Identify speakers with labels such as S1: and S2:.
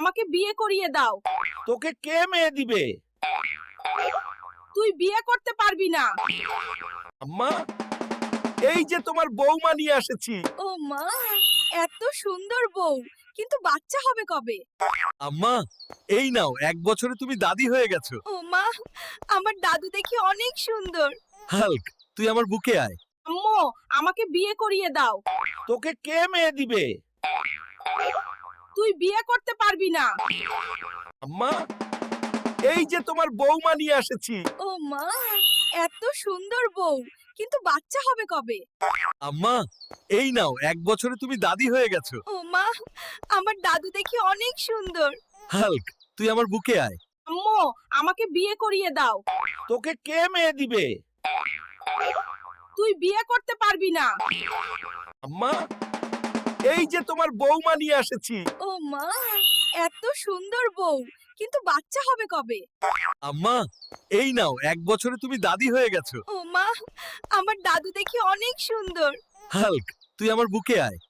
S1: আমাকে বিয়ে করিয়ে দাও।
S2: তোকে কে মেয়ে দিবে?
S1: তুই বিয়ে করতে পারবি না।
S2: আম্মা, এই যে তোমার বৌমা নিয়ে এসেছি।
S1: ও মা, এত সুন্দর বউ, কিন্তু বাচ্চা হবে কবে?
S2: আম্মা, এই নাও, 1 বছরে তুমি দাদি হয়ে গেছো।
S1: ও মা, আমার দাদু দেখি অনেক সুন্দর।
S2: হাল্ক, তুই আমার বুকে আয়।
S1: আম্মু, আমাকে বিয়ে করিয়ে দাও।
S2: তোকে কে মেয়ে দিবে?
S1: তুই বিয়ে করতে পারবি না।
S2: আম্মা, এই যে তোমার বৌমা নিয়ে এসেছি।
S1: ও মা, এত সুন্দর বউ, কিন্তু বাচ্চা হবে কবে?
S2: আম্মা, এই নাও, 1 বছরে তুমি দাদি হয়ে গেছো।
S1: ও মা, আমার দাদু দেখি অনেক সুন্দর।
S2: হাল্ক, তুই আমার বুকে আয়।
S1: আম্মু, আমাকে বিয়ে করিয়ে দাও।
S2: তোকে কে মেয়ে দিবে?
S1: তুই বিয়ে করতে পারবি না।
S2: আম্মা, এই যে তোমার বৌমা নিয়ে এসেছি।
S1: ও মা, এত সুন্দর বউ, কিন্তু বাচ্চা হবে কবে?
S2: আম্মা, এই নাও, 1 বছরে তুমি দাদি হয়ে গেছো।
S1: ও মা, আমার দাদু দেখি অনেক সুন্দর।
S2: হাল্ক, তুই আমার বুকে আয়।